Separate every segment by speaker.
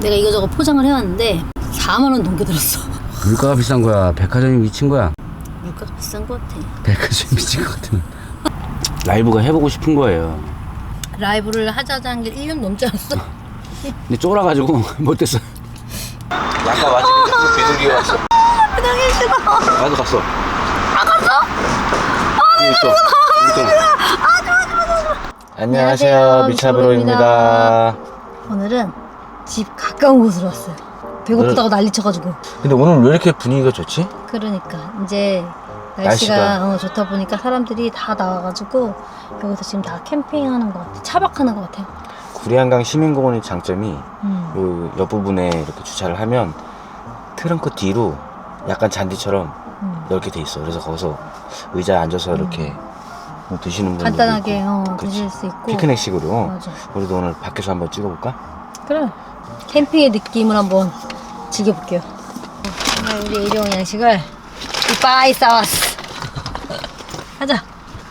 Speaker 1: 내가 이거저거 포장을 해왔는데 4만 원 넘게 들었어.
Speaker 2: 물가가 비싼 거야? 백화점이 미친 거야?
Speaker 1: 물가가 비싼 것 같아.
Speaker 2: 백화점이 미친 것 같으면 라이브가 해보고 싶은 거예요.
Speaker 1: 라이브를 하자는 게 1년 넘지 않았어?
Speaker 2: 근데 쫄아가지고 못했어. 약간 와지 비둘기가 왔어.
Speaker 1: 그냥 싫어.
Speaker 2: 나도 갔어.
Speaker 1: 아, 갔어?
Speaker 2: 안녕하세요, 미차브로입니다.
Speaker 1: 오늘은 집 가까운 곳으로 왔어요. 배고프다고 난리 쳐가지고.
Speaker 2: 근데 오늘 왜 이렇게 분위기가 좋지?
Speaker 1: 그러니까 이제 날씨가 좋다 보니까 사람들이 다 나와가지고 여기서 지금 다 캠핑하는 것 같아. 차박하는 것 같아요.
Speaker 3: 구리한강 시민공원의 장점이 요 옆부분에 이렇게 주차를 하면 트렁크 뒤로 약간 잔디처럼 넓게 돼 있어. 그래서 거기서 의자에 앉아서 이렇게 뭐 드시는 분들도
Speaker 1: 간단하게
Speaker 3: 있고.
Speaker 1: 드실 수 있고.
Speaker 3: 피크닉식으로.
Speaker 1: 맞아.
Speaker 3: 우리도 오늘 밖에서 한번 찍어볼까?
Speaker 1: 그래. 캠핑의 느낌을 한번 즐겨볼게요. 오늘 우리 일용 양식을 이빠이 싸왔어. 가자.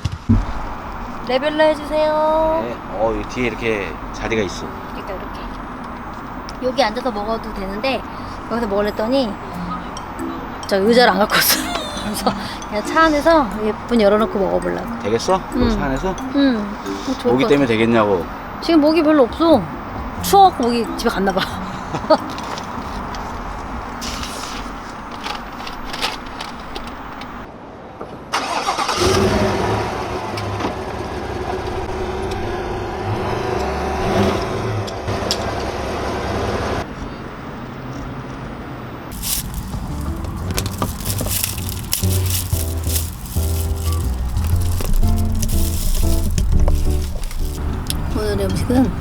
Speaker 1: 레벨러 해주세요.
Speaker 3: 네. 이 뒤에 이렇게 자리가 있어.
Speaker 1: 그러니까 이렇게 여기 앉아서 먹어도 되는데 여기서 먹으랬더니 저 의자를 안 갖고 왔어. 그래서 그냥 차 안에서 예쁜 열어놓고 먹어보려고.
Speaker 3: 되겠어? 차 안에서?
Speaker 1: 좋을
Speaker 3: 모기
Speaker 1: 것
Speaker 3: 때문에
Speaker 1: 같아.
Speaker 3: 되겠냐고.
Speaker 1: 지금 모기 별로 없어. 추워갖고 모기 집에 갔나봐. 오늘의 음식은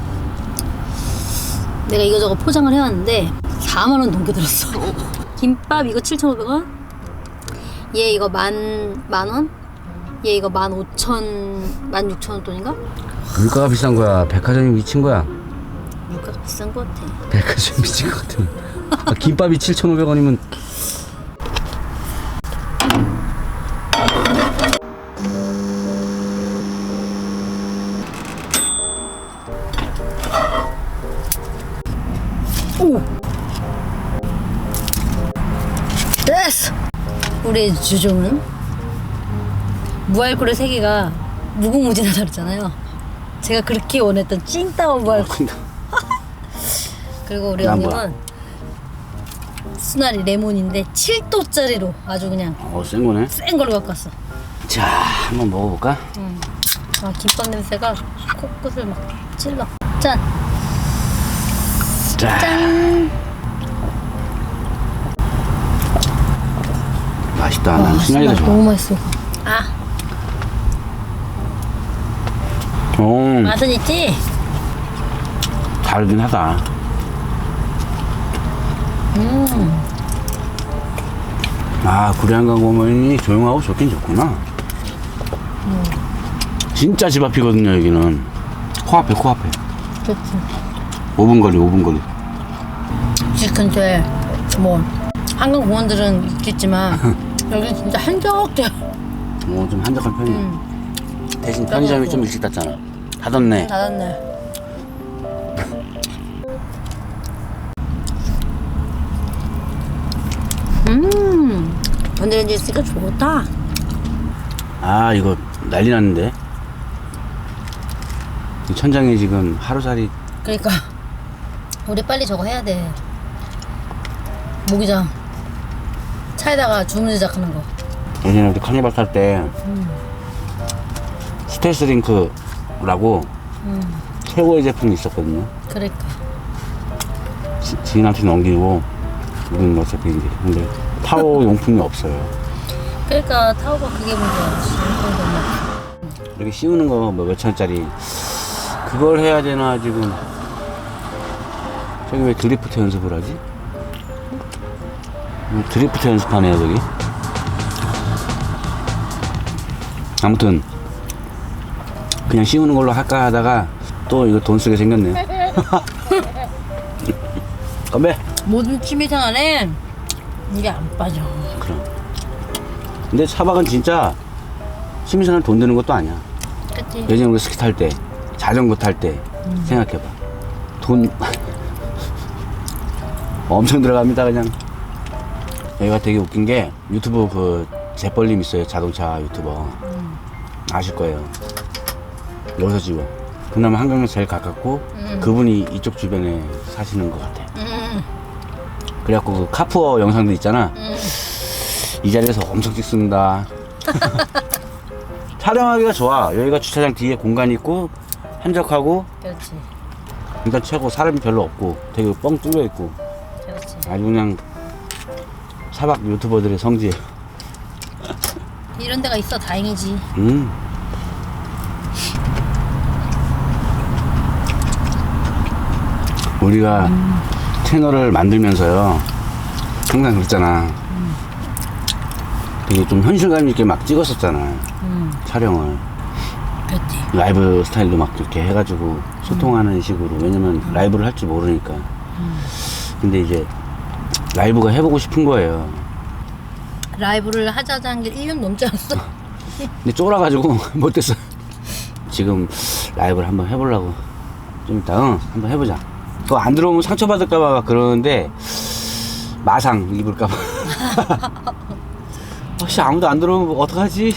Speaker 1: 내가 이거저거 포장을 해왔는데 4만 원 넘게 들었어. 김밥 이거 7,500원, 얘 이거 만 원, 얘 이거 15,000, 16,000원 돈인가?
Speaker 2: 물가가 비싼 거야? 백화점이 미친 거야?
Speaker 1: 물가가 비싼 것 같아.
Speaker 2: 백화점이 미친 것 같으면 김밥이 7,500원이면
Speaker 1: 오! 됐어! 우리의 주종은 무알콜의 세계가 무궁무진하다 그랬잖아요. 제가 그렇게 원했던 찐따오 무알콜. 그리고 우리
Speaker 2: 난 뭐야?
Speaker 1: 형님은 수나리 레몬인데 7도짜리로 아주 그냥
Speaker 2: 센 거네.
Speaker 1: 센 걸로 갖고 왔어.
Speaker 2: 자, 한번 먹어볼까?
Speaker 1: 아, 김밥 냄새가 코끝을 막 찔러. 짠!
Speaker 2: 자,
Speaker 1: 짠!
Speaker 2: 맛있다. 난 순하기가 좋아.
Speaker 1: 너무 맛있어. 아, 맛은 있지?
Speaker 2: 다르긴 하다. 아, 구리한강 공원이 조용하고 좋긴 좋구나. 진짜 집 앞이거든요, 여기는. 코앞에.
Speaker 1: 좋지.
Speaker 2: 5분 거리.
Speaker 1: 집 근처에 뭐 한강 공원들은 있겠지만 여기 진짜 한적해.
Speaker 2: 좀 한적한 편이야. 대신 편의점이 좀 일찍 닫잖아. 닫았네.
Speaker 1: 닫았네. 건드레인지 있으니까 좋다.
Speaker 2: 아, 이거 난리 났는데. 이 천장에 지금 하루살이.
Speaker 1: 그러니까 우리 빨리 저거 해야 돼. 모기장 차에다가 주문 제작하는 거.
Speaker 2: 예전에 우리 카니발 탈 때 스텔스 링크라고 최고의 제품이 있었거든요.
Speaker 1: 그러니까
Speaker 2: 지인한테 넘기고 우리는 어차피 이제 근데 타워 용품이 없어요.
Speaker 1: 그러니까 타오가 그게 문제야.
Speaker 2: 이렇게 씌우는 거 뭐 몇천원짜리 그걸 해야 되나 지금. 저기 왜 드리프트 연습을 하지? 드리프트 연습하네요 저기. 아무튼 그냥 씌우는 걸로 할까 하다가 또 이거 돈 쓰게 생겼네. 건배.
Speaker 1: 모든 취미생활에 이게 안 빠져.
Speaker 2: 그럼. 근데 차박은 진짜 취미생활 돈 드는 것도 아니야.
Speaker 1: 그치?
Speaker 2: 예전에 우리 스키 탈 때, 자전거 탈 때 생각해봐. 돈 엄청 들어갑니다 그냥. 여기가 되게 웃긴 게 유튜브 그 재벌님 있어요. 자동차 유튜버 아실 거예요. 여기서 집어. 그나마 한강에서 제일 가깝고 그분이 이쪽 주변에 사시는 것 같아. 그래갖고 그 카푸어 영상도 있잖아. 이 자리에서 엄청 찍습니다. 촬영하기가 좋아. 여기가 주차장 뒤에 공간이 있고 한적하고
Speaker 1: 그렇지.
Speaker 2: 일단 최고. 사람이 별로 없고 되게 뻥 뚫려 있고
Speaker 1: 그렇지.
Speaker 2: 아주 그냥 사박 유튜버들의 성지.
Speaker 1: 이런 데가 있어 다행이지.
Speaker 2: 우리가 채널을 만들면서요 항상 그랬잖아. 되게 좀 현실감 있게 막 찍었었잖아. 촬영을
Speaker 1: 그렇지.
Speaker 2: 라이브 스타일로 막 이렇게 해가지고 소통하는 식으로. 왜냐면 라이브를 할 줄 모르니까. 근데 이제 라이브가 해보고 싶은 거예요.
Speaker 1: 라이브를 하자는 게 1년 넘지 않았어?
Speaker 2: 근데 쫄아가지고 못했어. 지금 라이브를 한번 해보려고. 좀 이따 한번 해보자. 그거 안 들어오면 상처받을까봐 막 그러는데 마상 입을까봐. 혹시 아무도 안 들어오면 어떡하지?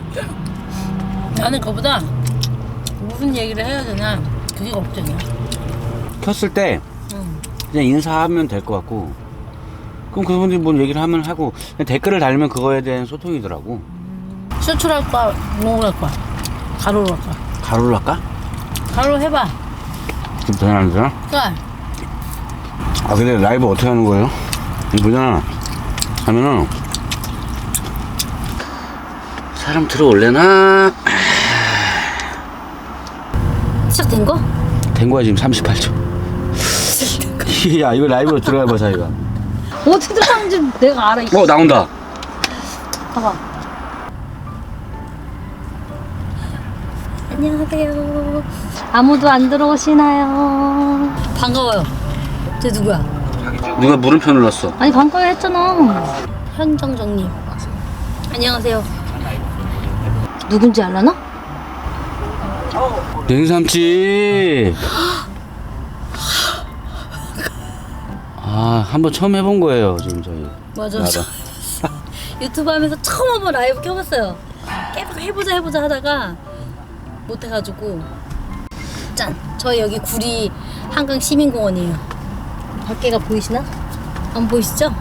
Speaker 1: 나는 그거보다 무슨 얘기를 해야 되나 그게 걱정이야.
Speaker 2: 켰을 때 그냥 인사하면 될 것 같고, 그럼 그분들이 뭔 얘기를 하면 하고 그냥 댓글을 달면 그거에 대한 소통이더라고.
Speaker 1: 수출할 거야? 농을 할 거야? 가로로 할 거야?
Speaker 2: 가로를 할까?
Speaker 1: 가로 해봐.
Speaker 2: 지금 전화 안 되나?
Speaker 1: 그래.
Speaker 2: 아 근데 라이브 어떻게 하는 거예요? 이거 보잖아. 하면은 사람 들어올래나?
Speaker 1: 시작된 거?
Speaker 2: 된 거야 지금 38초. 야 이거 라이브로 들어가봐 자기가.
Speaker 1: 어떻게 들어가는지 내가 알아.
Speaker 2: 나온다.
Speaker 1: 봐봐. 안녕하세요. 아무도 안 들어오시나요? 반가워요. 쟤 누구야?
Speaker 2: 누가 물음표 눌렀어?
Speaker 1: 아니 반가워요 했잖아. 현정정님. 안녕하세요. 누군지 알라나?
Speaker 2: 냉삼집. 아 한번 처음 해본 거예요 지금 저희.
Speaker 1: 맞아.
Speaker 2: 나도.
Speaker 1: 유튜브 하면서 처음 한번 라이브 켜봤어요. 계속 해보자 하다가 못해가지고. 짠! 저희 여기 구리 한강 시민공원이에요. 밖에가 보이시나? 안 보이시죠?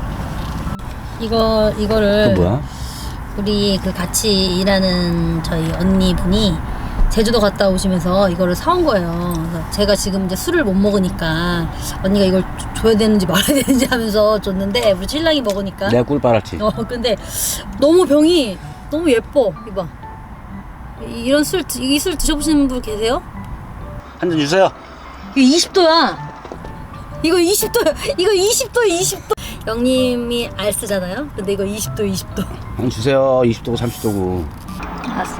Speaker 1: 이거를
Speaker 2: 그 뭐야?
Speaker 1: 우리 그 같이 일하는 저희 언니분이 제주도 갔다 오시면서 이거를 사온 거예요. 그래서 제가 지금 이제 술을 못 먹으니까 언니가 이걸 줘야 되는지 말아야 되는지 하면서 줬는데 우리 신랑이 먹으니까.
Speaker 2: 내가 꿀 빨았지.
Speaker 1: 근데 너무 병이 너무 예뻐. 이봐. 이런 술, 이 술 드셔보시는 분 계세요?
Speaker 2: 한 잔 주세요.
Speaker 1: 이거 20도야. 이거 20도야. 이거 20도야, 20도. 영님이 알 쓰잖아요. 근데 이거 20도, 20도.
Speaker 2: 한 잔 주세요. 20도고 30도고.
Speaker 1: 알았어.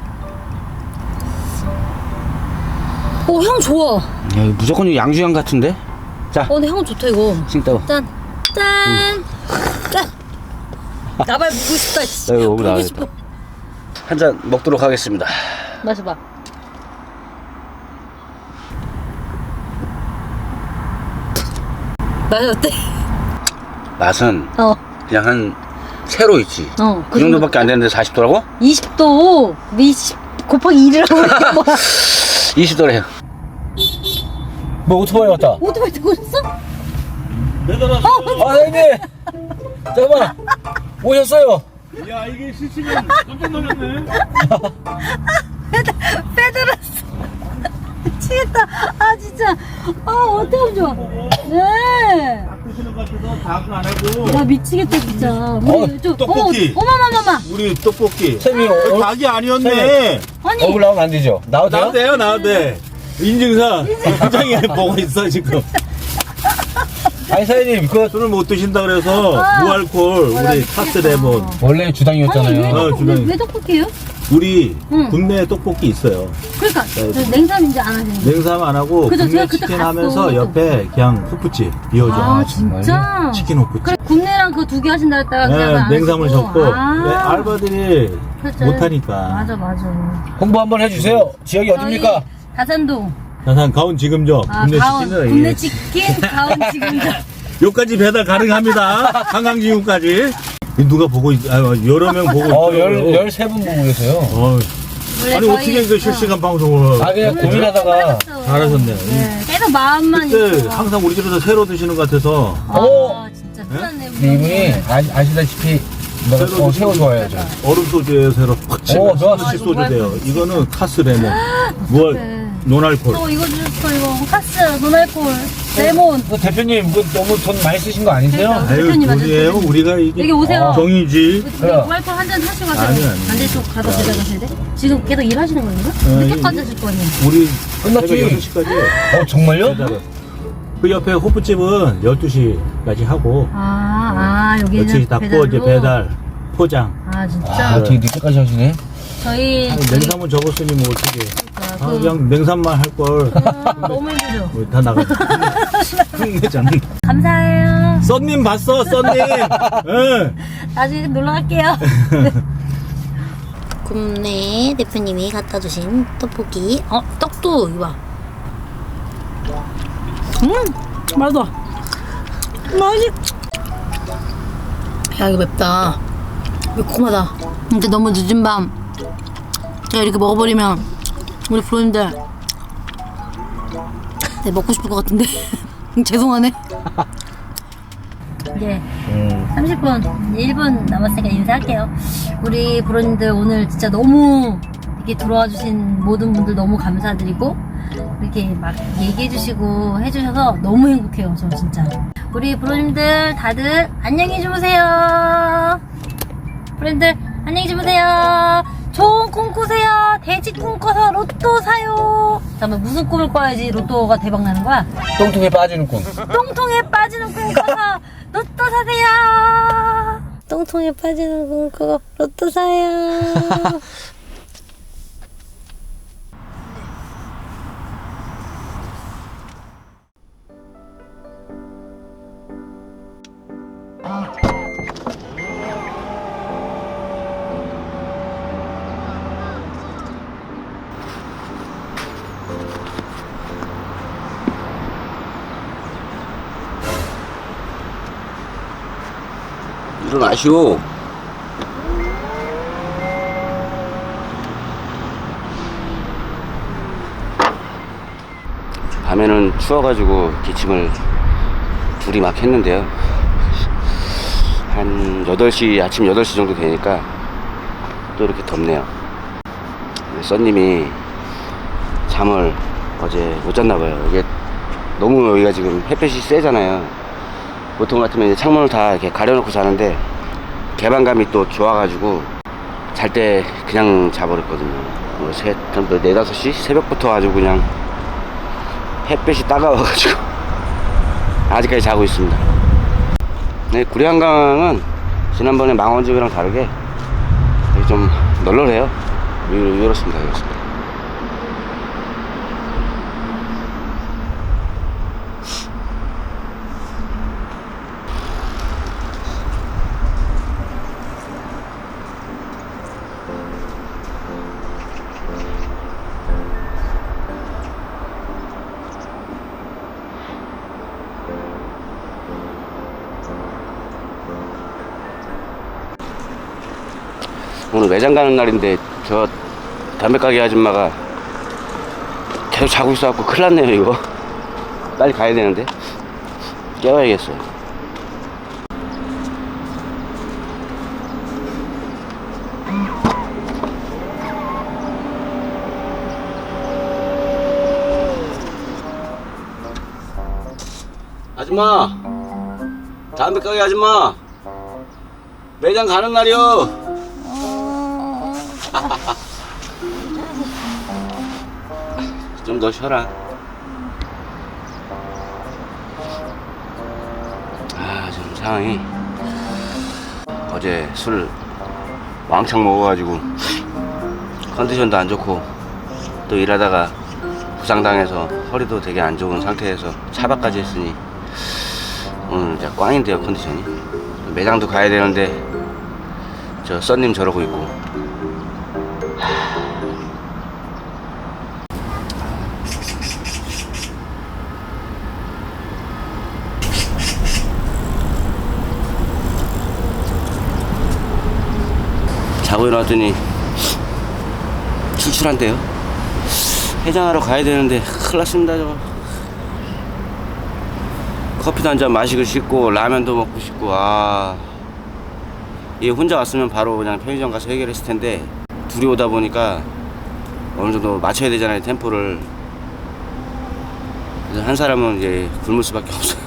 Speaker 1: 오, 향 좋아.
Speaker 2: 야, 이거 무조건 양주향 같은데? 자,
Speaker 1: 근데 향 좋다, 이거.
Speaker 2: 싱따오.
Speaker 1: 짠. 짠. 짠. 나발 보고 싶다. 씨.
Speaker 2: 야, 이거 너무
Speaker 1: 보고
Speaker 2: 나가겠다.
Speaker 1: 싶어.
Speaker 2: 한 잔 먹도록 하겠습니다.
Speaker 1: 마셔봐. 맛이 어때?
Speaker 2: 맛은
Speaker 1: 어.
Speaker 2: 그냥 한 세로 있지. 그 정도밖에 안 되는데 40도라고?
Speaker 1: 20도. 20 곱하기 1이라고. 뭐야?
Speaker 2: 20도래요. 뭐 오토바이 왔다.
Speaker 1: 오토바이 타고 오셨어?
Speaker 2: 아, 형님! 잠깐만! 오셨어요!
Speaker 4: 야 이게 실시간 깜짝 놀랐네.
Speaker 1: 빼들었어. 미치겠다. 아 진짜. 아 어떡하면 좋아. 네.
Speaker 4: 드시는 것 같아서 다은 안 하고.
Speaker 1: 나 미치겠다 진짜. 우리
Speaker 4: 떡볶이.
Speaker 1: 어마마마마.
Speaker 4: 우리 떡볶이.
Speaker 2: 쌤이
Speaker 4: 닭이 아니었네.
Speaker 1: 아니.
Speaker 2: 얼굴 나오면 안 되죠? 나와도 돼요?
Speaker 4: 나와대요 나와대. 인증사 현장에 보고 있어 지금.
Speaker 2: 아니 사장님 그
Speaker 4: 술을 못 드신다 그래서 무알콜
Speaker 1: 나
Speaker 4: 우리
Speaker 1: 미치겠다.
Speaker 4: 카스 레몬.
Speaker 2: 원래
Speaker 1: 아니
Speaker 2: 주당이었잖아요.
Speaker 4: 주변에.
Speaker 1: 왜 떡볶이에요?
Speaker 4: 우리
Speaker 1: 응.
Speaker 4: 국내 떡볶이 있어요.
Speaker 1: 그러니까 저 냉삼 이제 안 하시는 거.
Speaker 4: 냉삼 안 하고
Speaker 1: 그죠,
Speaker 4: 국내
Speaker 1: 제가 그때
Speaker 4: 치킨
Speaker 1: 갔어.
Speaker 4: 하면서 옆에 그냥 후프집 비워줘.
Speaker 1: 아 진짜?
Speaker 4: 치킨 후프집.
Speaker 1: 그래 국내랑 그 두 개 하신다 했다가 그냥 안
Speaker 4: 네, 냉삼을
Speaker 1: 하시고.
Speaker 4: 줬고
Speaker 1: 아.
Speaker 4: 왜 알바들이
Speaker 1: 그렇죠.
Speaker 4: 못하니까.
Speaker 1: 맞아.
Speaker 2: 홍보 한번 해주세요. 지역이 어딥니까?
Speaker 1: 다산동.
Speaker 4: 다산 가온 지금죠.
Speaker 1: 아,
Speaker 4: 국내
Speaker 1: 가온
Speaker 4: 치킨은
Speaker 1: 국내 치킨 가온 지금도
Speaker 4: 요까지 배달 가능합니다. 한강지구까지. 누가 보고 여러 명 보고 있어요.
Speaker 3: 13분 보고 계세요.
Speaker 1: 원래
Speaker 4: 아니
Speaker 1: 저희-
Speaker 4: 어떻게 그 실시간 방송을
Speaker 3: 그냥
Speaker 1: 오늘
Speaker 3: 고민하다가
Speaker 1: 조금
Speaker 4: 잘하셨네요.
Speaker 1: 네, 계속 마음만
Speaker 4: 그때
Speaker 1: 있고.
Speaker 4: 항상 우리 집에서 새로 드시는 것 같아서
Speaker 1: 진짜 큰일났네.
Speaker 3: 이분이 아시다시피 새우 좋아해요. 저.
Speaker 4: 얼음 소주에 새로
Speaker 3: 좋았어.
Speaker 4: 시 소주 돼요. 이거는 카스 레몬, 뭐 논알콜.
Speaker 1: 이거 주셨어 이거 카스 노날콜 레몬.
Speaker 3: 대표님 너무 돈 많이 쓰신 거 아니세요?
Speaker 1: 그러니까.
Speaker 4: 아유
Speaker 1: 대표님
Speaker 4: 돈이에요. 우리가 이게
Speaker 1: 여기 오세요.
Speaker 4: 정이지.
Speaker 1: 노날콜 한 잔 하시고 가세요.
Speaker 4: 아니.
Speaker 1: 반대쪽 가서 배달하셔야 돼. 지금 계속 일하시는 건가? 늦게까지 하실 거 아니에요?
Speaker 4: 우리
Speaker 3: 끝났지?
Speaker 4: 새벽 6시까지
Speaker 3: 정말요?
Speaker 4: 그 옆에 호프집은 12시까지 하고
Speaker 1: 여기는
Speaker 4: 12시 닫고
Speaker 1: 배달로?
Speaker 4: 이제 배달 포장.
Speaker 1: 진짜
Speaker 3: 되게 늦게까지 하시네.
Speaker 1: 저희
Speaker 4: 냉삼은 적었으니 뭐 어떻게
Speaker 1: 그-
Speaker 4: 그냥 냉삼만 할걸
Speaker 1: 너무 힘들죠.
Speaker 4: 다 나가죠. 흥내잖아.
Speaker 1: 감사해요.
Speaker 4: 썬님 봤어 썬님. 응.
Speaker 1: 나중에 놀러 갈게요. 굽네 대표님이 갖다 주신 떡볶이. 떡도 이거 봐. 맛있어. 야 이거 맵다. 매콤하다. 근데 너무 늦은 밤 제가 이렇게 먹어버리면 우리 프로님들 먹고 싶을 것 같은데 죄송하네. 이제 30분 1분 남았으니까 인사할게요. 우리 브로님들 오늘 진짜 너무 이렇게 들어와 주신 모든 분들 너무 감사드리고 이렇게 막 얘기해 주시고 해주셔서 너무 행복해요. 저 진짜 우리 브로님들 다들 안녕히 주무세요. 브로님들 안녕히 주무세요. 좋은 꿈 꾸세요. 돼지 꿈 꿔서 로또 사요. 잠깐만 무슨 꿈을 꿔야지 로또가 대박 나는 거야?
Speaker 3: 똥통에 빠지는 꿈.
Speaker 1: 똥통에 빠지는 꿈 꿔서 로또 사세요. 똥통에 빠지는 꿈 꿔서 로또 사요.
Speaker 2: 일어나시오. 밤에는 추워가지고 기침을 둘이 막 했는데요. 한 8시, 아침 8시 정도 되니까 또 이렇게 덥네요. 썬님이 잠을 어제 못 잤나봐요. 이게 너무 여기가 지금 햇볕이 세잖아요. 보통 같으면 이제 창문을 다 이렇게 가려놓고 자는데 개방감이 또 좋아가지고 잘 때 그냥 자버렸거든요. 뭐 4-5시 새벽부터 아주 그냥 햇볕이 따가워가지고 아직까지 자고 있습니다. 네, 구리한강은 지난번에 망원집이랑 다르게 좀 널널해요. 이렇습니다. 오늘 매장 가는 날인데 저 담배가게 아줌마가 계속 자고 있어갖고 큰일 났네요. 이거 빨리 가야 되는데 깨워야겠어요. 아줌마, 담배가게 아줌마, 매장 가는 날이요. 좀 더 쉬어라. 지금 상황이 어제 술 왕창 먹어가지고 컨디션도 안 좋고 또 일하다가 부상당해서 허리도 되게 안 좋은 상태에서 차박까지 했으니 오늘 진짜 꽝인데요. 컨디션이. 매장도 가야 되는데 저 썬님 저러고 있고. 자고 일어났더니 출출한데요. 해장하러 가야 되는데 큰일 났습니다. 저거 커피도 한 잔 마시고 싶고 라면도 먹고 싶고. 얘 혼자 왔으면 바로 그냥 편의점 가서 해결했을 텐데 둘이 오다 보니까 어느 정도 맞춰야 되잖아요, 템포를. 그래서 한 사람은 이제 굶을 수밖에 없어요.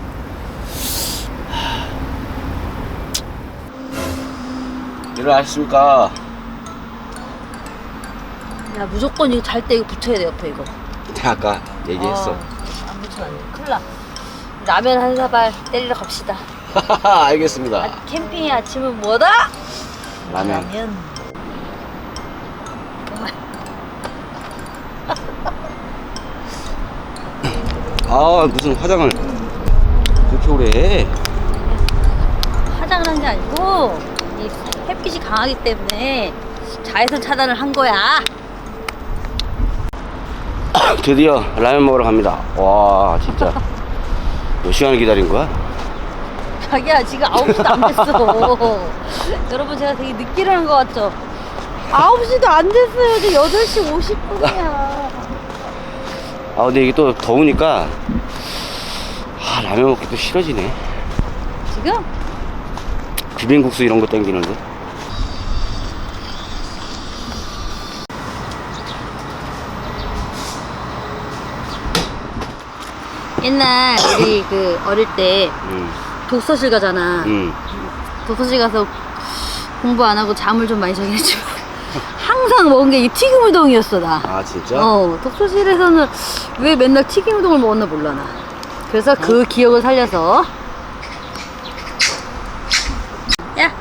Speaker 2: 일어나셨습니까?
Speaker 1: 야, 무조건 이거 잘 때 이거 붙여야 돼, 옆에 이거.
Speaker 2: 내가 아까 얘기했어.
Speaker 1: 안 붙이면 안 돼. 큰일 나. 라면 한 사발 때리러 갑시다.
Speaker 2: 알겠습니다.
Speaker 1: 캠핑의 아침은 뭐다?
Speaker 2: 라면. 무슨 화장을 그렇게 오래 해?
Speaker 1: 화장을 한 게 아니고 이 햇빛이 강하기 때문에 자외선 차단을 한 거야.
Speaker 2: 드디어 라면 먹으러 갑니다. 와, 진짜 몇 시간을 기다린 거야?
Speaker 1: 자기야, 지금 9시도 안 됐어. 여러분, 제가 되게 늦게 일어난 것 같죠? 9시도 안 됐어요. 지금 8시 50분이야.
Speaker 2: 근데 이게 또 더우니까 라면 먹기도 싫어지네.
Speaker 1: 지금?
Speaker 2: 비빔국수 이런 거 땡기는데.
Speaker 1: 옛날 우리 그 어릴 때 독서실 가잖아. 독서실 가서 공부 안 하고 잠을 좀 많이 자긴 했지만 항상 먹은 게 이 튀김 우동이었어, 나.
Speaker 2: 진짜?
Speaker 1: 독서실에서는 왜 맨날 튀김 우동을 먹었나 몰라, 나. 그래서 그 기억을 살려서. 야!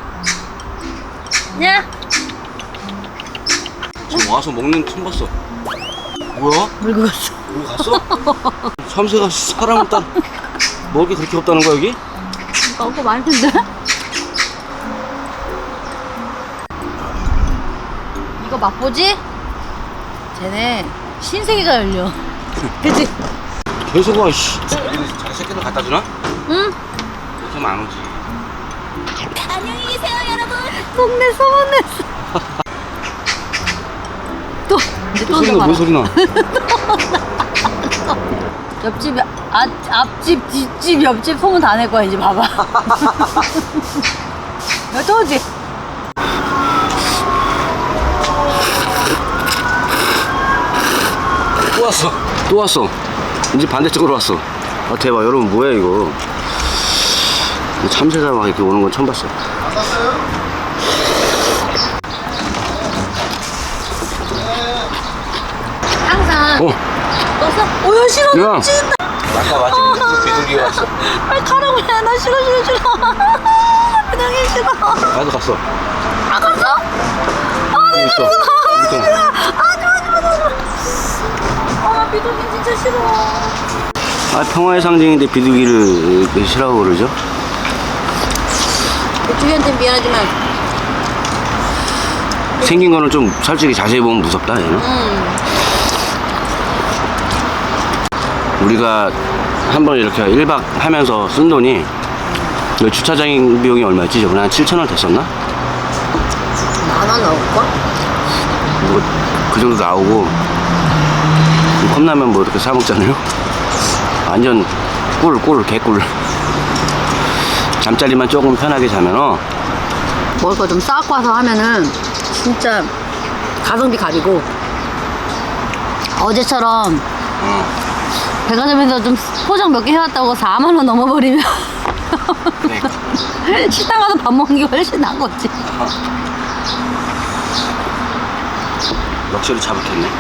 Speaker 2: 지금 와서 먹는 처음 봤어. 뭐야?
Speaker 1: 물고 갔어.
Speaker 2: 뭐 갔어? 참새가 사람을 따라 먹을 게 그렇게 없다는 거야, 여기?
Speaker 1: 먹고 많이 든데? 이거 맛보지? 쟤네 신세계가 열려. 그치?
Speaker 2: 계속 와, 씨. 자기 새끼들 갖다 주나?
Speaker 1: 응?
Speaker 2: 이렇게 하면 안 오지.
Speaker 1: 안녕히 계세요, 여러분. 동네 소문냈어. 이제 또
Speaker 2: 소리가 뭔 소리 나?
Speaker 1: 옆집, 앞집, 뒷집, 옆집 소문 다 낼 거야, 이제 봐봐. 야, 또 오지?
Speaker 2: 또 왔어. 이제 반대쪽으로 왔어. 대박. 여러분, 뭐야, 이거. 참새가 막 이렇게 오는 건 처음 봤어.
Speaker 1: 항상. 떴어? 야, 싫어.
Speaker 2: 야.
Speaker 1: 미치겠다.
Speaker 2: 아까 마침 비둘기 왔어.
Speaker 1: 빨리 가라고 해. 나 싫어. 그냥 해, 싫어.
Speaker 2: 나도 갔어.
Speaker 1: 갔어?
Speaker 2: 여기 있어.
Speaker 1: 좋아. 비둘기 진짜 싫어.
Speaker 2: 평화의 상징인데 비둘기를 왜 싫어하고 그러죠?
Speaker 1: 주희한테 미안하지만.
Speaker 2: 생긴 거는 좀 솔직히 자세히 보면 무섭다, 얘는. 우리가 한번 이렇게 1박 하면서 쓴 돈이 그 주차장 비용이 얼마였지? 저번에 한 7,000원 됐었나?
Speaker 1: 만원 나올걸?
Speaker 2: 뭐 그 정도 나오고 컵라면 뭐 이렇게 사 먹잖아요. 완전 개꿀. 잠자리만 조금 편하게 자면
Speaker 1: 먹을 거 좀 싸갖고 와서 하면은 진짜 가성비 가리고 어제처럼 백화점에서 좀 포장 몇 개 해왔다고 4만원 넘어버리면 식당 가서 밥 먹는 게 훨씬 나은 거지.
Speaker 2: 럭셔리 잡았겠네.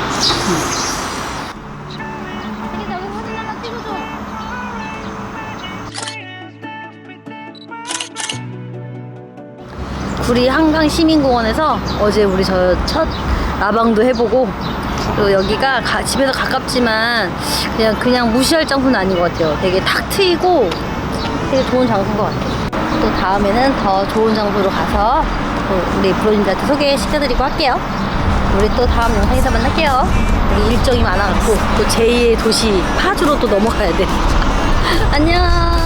Speaker 2: 구리 한강시민공원에서 어제 우리 저 첫 라방도 해보고, 또 여기가 집에서 가깝지만 그냥 무시할 장소는 아닌 것 같아요. 되게 탁 트이고 되게 좋은 장소인 것 같아요. 또 다음에는 더 좋은 장소로 가서 또 우리 브로님들한테 소개시켜드리고 할게요. 우리 또 다음 영상에서 만날게요. 우리 일정이 많아갖고 또 제2의 도시 파주로 또 넘어가야 돼. 안녕.